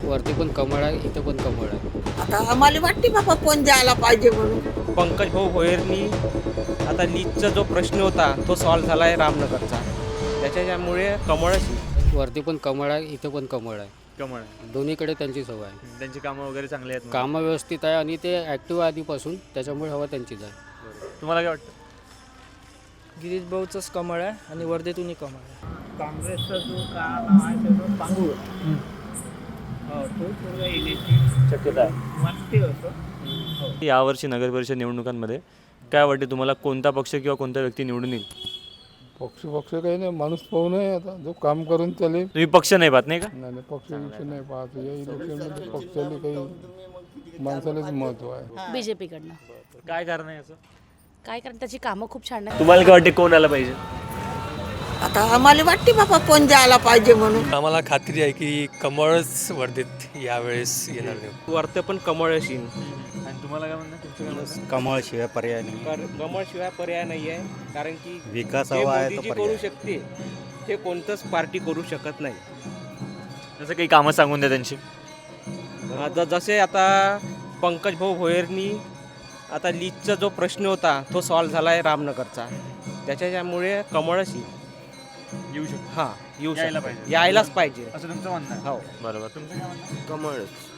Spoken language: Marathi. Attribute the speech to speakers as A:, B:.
A: वरती पण कमळ आहे, इथं पण कमळ आहे.
B: आता आम्हाला वाटते बाबा कोण जायला पाहिजे म्हणून.
C: पंकज भाऊ भोयरनी आता लीजचा जो प्रश्न होता तो सॉल्व्ह झाला आहे रामनगरचा, त्याच्यामुळे कमळच.
A: वरती पण कमळ आहे, इथं पण कमळ आहे.
D: कमळ आहे.
A: दोन्हीकडे त्यांची सवय आहे.
D: त्यांची कामं वगैरे चांगली आहेत.
A: कामं व्यवस्थित आहे आणि ते ॲक्टिव्ह आधीपासून, त्याच्यामुळे हवा त्यांचीच आहे.
D: तुम्हाला काय वाटतं?
E: गिरीश भाऊचंच कमळ आहे आणि वर्धेतूनही कमळ आहे.
F: काँग्रेसचा जो नाव आहे त्याचं पांगुळ तो पूर्ण येण्याची
D: शक्यता आहे.
F: वाटते असं.
D: यावर्षी नगरपरिषद निवडणुकांमध्ये काय वाटते तुम्हाला, कोणता पक्ष किंवा कोणता व्यक्ती निवडून येईल?
G: पक्ष काही नाही, माणूस पाहून आहे. आता जो काम करून त्याला
D: तुम्ही पक्ष नाही पाहत नाही का?
G: नाही पक्ष इलेक्शन नाही पाहत. या इलेक्शनमध्ये पक्षाला काही माणसालाच महत्त्व आहे.
H: बीजेपीकडनं.
D: काय कारण आहे याचं?
H: काय कारण त्याची कामं खूप छान आहेत.
D: तुम्हाला काय वाटते, कोण आलं पाहिजे?
B: आता आम्हाला वाटते बाबा कोण जायला पाहिजे म्हणून.
I: आम्हाला खात्री आहे की कमळच वर्धेत यावेळेस येणार नाही.
C: वरती पण कमळ असेल.
D: आणि तुम्हाला काय म्हणणं, तुमचं काय म्हणणं?
J: कमळशिवाय पर्याय नाही.
C: कमळशिवाय पर्याय नाही आहे, कारण की
J: विकास
C: जे
J: हवा आहे
C: मोदीजी
J: तो
C: करू
J: पर्याय.
C: शकते ते कोणतंच पार्टी करू शकत नाही.
D: जसं काही कामं सांगून द्या त्यांची.
C: आता जसे आता पंकज भाऊ भोयरनी आता लीजचा जो प्रश्न होता तो सॉल्व्ह झाला आहे रामनगरचा, त्याच्यामुळे कमळच
D: येऊ शकतो.
C: हां येऊ
D: यायला
C: शकतो.
D: पाहिजे.
C: यायलाच पाहिजे.
D: असं तुमचं म्हणणं आहे?
C: हो
D: बरोबर. तुमचं काय म्हणणं?
C: कमळच.